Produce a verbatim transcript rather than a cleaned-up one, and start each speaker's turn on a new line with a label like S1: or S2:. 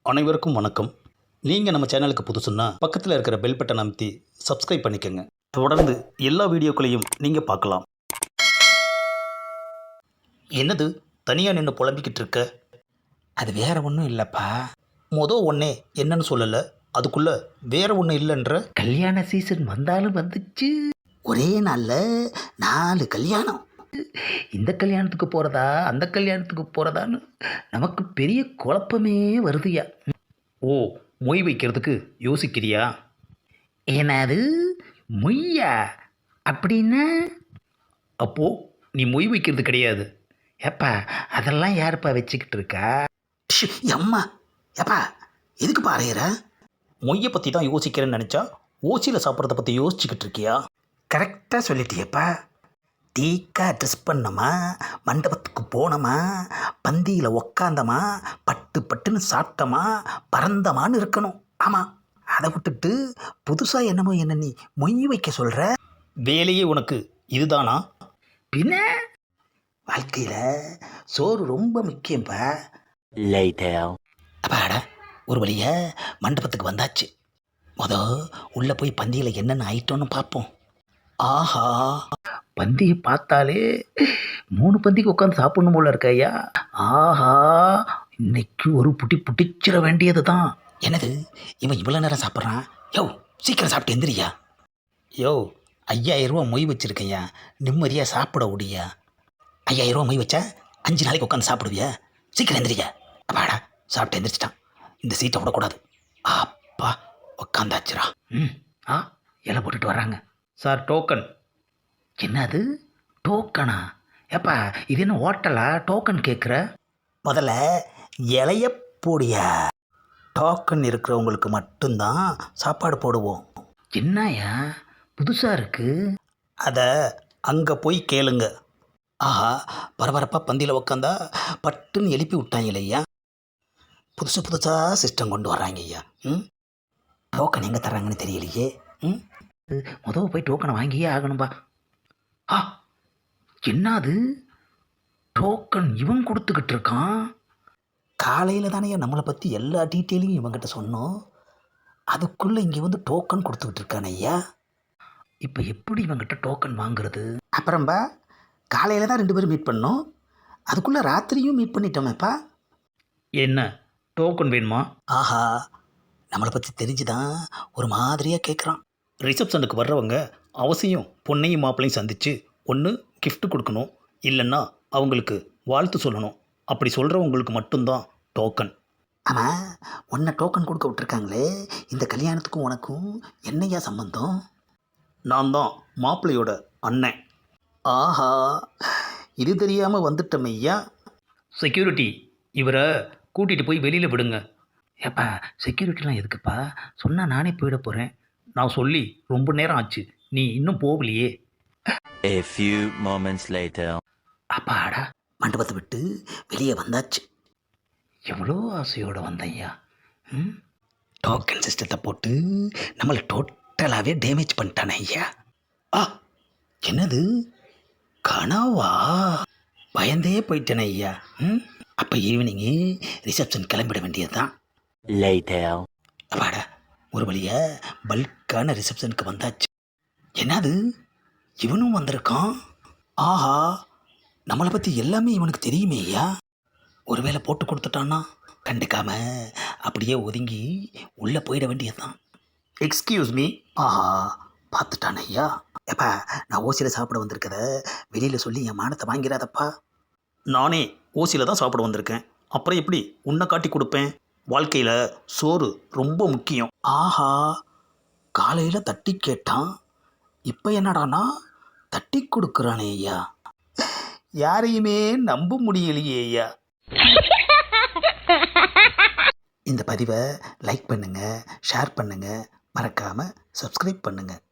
S1: அனைவருக்கும் வணக்கம். நீங்கள் நம்ம சேனலுக்கு புதுசுன்னா பக்கத்தில் இருக்கிற பெல் பட்டன் அமைத்தி சப்ஸ்கிரைப் பண்ணிக்கோங்க. தொடர்ந்து எல்லா வீடியோக்களையும் நீங்கள் பார்க்கலாம். என்னது தனியாக நின்று புலம்பிக்கிட்டு இருக்க? அது வேற ஒன்றும் இல்லைப்பா. மொதல் ஒன்றே என்னன்னு சொல்லலை, அதுக்குள்ளே வேற ஒன்றும் இல்லைன்ற.
S2: கல்யாண சீசன் வந்தாலும் வந்துச்சு.
S3: ஒரே நாளில் நாலு கல்யாணம்.
S2: இந்த கல்யாணத்துக்கு போகிறதா அந்த கல்யாணத்துக்கு போகிறதான்னு நமக்கு பெரிய குழப்பமே வருதுயா.
S1: ஓ, மொய் வைக்கிறதுக்கு யோசிக்கிறியா?
S2: ஏனாது மொய்யா அப்படின்னா?
S1: அப்போது நீ மொய் வைக்கிறது கிடையாது.
S2: ஏப்பா அதெல்லாம் யாருப்பா வச்சுக்கிட்டு இருக்கா?
S3: ஷு, அம்மா ஏப்பா எதுக்கு பாறையிற?
S1: மொய்யை பற்றி தான் யோசிக்கிறேன்னு நினச்சா ஓசியில் சாப்பிட்றத பற்றி யோசிச்சுக்கிட்டு இருக்கியா?
S3: கரெக்டாக சொல்லிட்டியப்பா. டீக்கா ட்ரெஸ் பண்ணோமா, மண்டபத்துக்கு போனோமா, பந்தியில் உக்காந்தமா, பட்டு பட்டுன்னு சாப்பிட்டோமா, பறந்தமான்னு இருக்கணும். ஆமாம், அதை விட்டுட்டு புதுசாக என்னமோ என்ன நீ மொய் வைக்க சொல்கிற.
S1: வேலையே உனக்கு இதுதானா?
S2: பின்ன
S3: வாழ்க்கையில் சோறு ரொம்ப முக்கியம்ப்பா. அப்பாடா, ஒரு வழிய மண்டபத்துக்கு வந்தாச்சு. மொத உள்ளே போய் பந்தியில் என்னென்ன ஐட்டம்னு பார்ப்போம். ஆஹா,
S2: பந்தியை பார்த்தாலே மூணு பந்திக்கு உட்காந்து சாப்பிடணும் போல இருக்க ஐயா. ஆஹா, இன்னைக்கு ஒரு புட்டி புட்டிச்சிட வேண்டியது தான்.
S3: என்னது இவன் இவ்வளோ நேரம் சாப்பிட்றான்? யோ, சீக்கிரம் சாப்பிட்டு எந்திரியா.
S1: யோ,
S3: ஐயாயிரம் ரூபா மொய் வச்சுருக்கையா, நிம்மதியாக சாப்பிட முடியா? ஐயாயிரம் ரூபா மொய் வச்சா அஞ்சு நாளைக்கு உட்காந்து சாப்பிடுவியா? சீக்கிரம் எந்திரியா. அப்பாடா, சாப்பிட்டு எந்திரிச்சிட்டான். இந்த சீட்டை விடக்கூடாது. அப்பா, உட்காந்தாச்சுரா.
S2: ம் ஆ இலை போட்டுட்டு வர்றாங்க.
S1: Sir, token.
S2: என்னது டோக்கனா? ஏப்பா இது என்ன ஹோட்டலா டோக்கன் கேட்குற?
S3: முதல்ல இலைய போடியா. டோக்கன் இருக்கிறவங்களுக்கு மட்டும்தான் சாப்பாடு போடுவோம்.
S2: என்னையா புதுசாக இருக்குது?
S3: அதை அங்கே போய் கேளுங்க. ஆஹா, பரபரப்பாக பந்தியில் உக்காந்தா பட்டுன்னு எழுப்பி விட்டாங்க இல்லையா. புதுசு புதுசாக சிஸ்டம் கொண்டு வர்றாங்க ஐயா. ம் டோக்கன் எங்கே தர்றாங்கன்னு தெரியலையே. ம்
S2: முதல் போய் டோக்கனை வாங்கியே ஆகணும்பா. ஆ என்னது டோக்கன் இவன் கொடுத்துக்கிட்டு இருக்கான்?
S3: காலையில் தானே நம்மளை பற்றி எல்லா டீட்டெயிலையும் இவங்கிட்ட சொன்னோம். அதுக்குள்ளே இங்கே வந்து டோக்கன் கொடுத்துக்கிட்டு இருக்கான் ஐயா.
S2: இப்போ எப்படி இவங்கிட்ட டோக்கன் வாங்குறது?
S3: அப்புறம்பா காலையில் தான் ரெண்டு பேரும் மீட் பண்ணோம், அதுக்குள்ளே ராத்திரியும் மீட் பண்ணிட்டோமேப்பா.
S1: என்ன டோக்கன் வேணுமா?
S3: ஆஹா, நம்மளை பற்றி தெரிஞ்சுதான் ஒரு மாதிரியாக கேட்குறான்.
S1: ரிசப்ஷனுக்கு வர்றவங்க அவசியம் பொண்ணையும் மாப்பிளையும் சந்தித்து ஒன்று gift கொடுக்கணும், இல்லைன்னா அவங்களுக்கு வாழ்த்து சொல்லணும். அப்படி சொல்கிறவங்களுக்கு மட்டும்தான் டோக்கன்.
S3: ஆமாம், உன்னை டோக்கன் கொடுக்க விட்டுருக்காங்களே, இந்த கல்யாணத்துக்கும் உனக்கும் என்னையா சம்பந்தம்?
S1: நான் தான் மாப்பிள்ளையோட அண்ணன்.
S3: ஆஹா, இது தெரியாமல் வந்துட்டோம் ஐயா.
S1: செக்யூரிட்டி, இவரை கூட்டிகிட்டு போய் வெளியில் விடுங்க.
S2: ஏப்பா செக்யூரிட்டிலாம் எதுக்குப்பா? சொன்னால் நானே போயிட போகிறேன்.
S1: நான் சொல்லி ரொம்ப நேரம் ஆச்சு, நீ இன்னும் போகலையே.
S4: A few moments later.
S2: அப்பாடா,
S3: மண்டபத்தை விட்டு வெளியே வந்தாச்சு.
S2: எவ்வளோ ஆசையோடு வந்தையா. ம்
S3: டோக்கன் சிஸ்டத்தை போட்டு நம்மளை டோட்டலாகவே டேமேஜ் பண்ணிட்டானே ஐயா. ஆ, என்னது கனவா? பயந்தே போயிட்டேனே ஐயா. ம் அப்போ ஈவினிங்கு ரிசப்ஷன் கிளம்பிட வேண்டியது தான்.
S4: Later.
S3: அப்பாடா, ஒரு வழியாக பல்கான ரிசப்ஷனுக்கு வந்தாச்சு. என்னது இவனும் வந்திருக்கான்? ஆஹா, நம்மளை பற்றி எல்லாமே இவனுக்கு தெரியுமே ஐயா. ஒருவேளை போட்டு கொடுத்துட்டான்னா கண்டுக்காம அப்படியே ஒதுங்கி உள்ளே போயிட வேண்டியதுதான்.
S1: Excuse me.
S3: ஆஹா, பார்த்துட்டான் ஐயா. எப்பா, நான் ஓசியில் சாப்பிட வந்திருக்கத வெளியில் சொல்லி என் மானத்தை வாங்கிறாதப்பா.
S1: நானே ஓசியில் தான் சாப்பிட வந்திருக்கேன், அப்புறம் எப்படி உன்னை காட்டி கொடுப்பேன்? வாழ்க்கையில் சோறு ரொம்ப முக்கியம்.
S3: ஆஹா, காலையில் தட்டி கேட்டான், இப்போ என்னடானா தட்டி கொடுக்குறானே ஐயா.
S1: யாரையுமே நம்ப முடியலையே ஐயா.
S3: இந்த பதிவை லைக் பண்ணுங்கள், ஷேர் பண்ணுங்கள், மறக்காமல் சப்ஸ்கிரைப் பண்ணுங்கள்.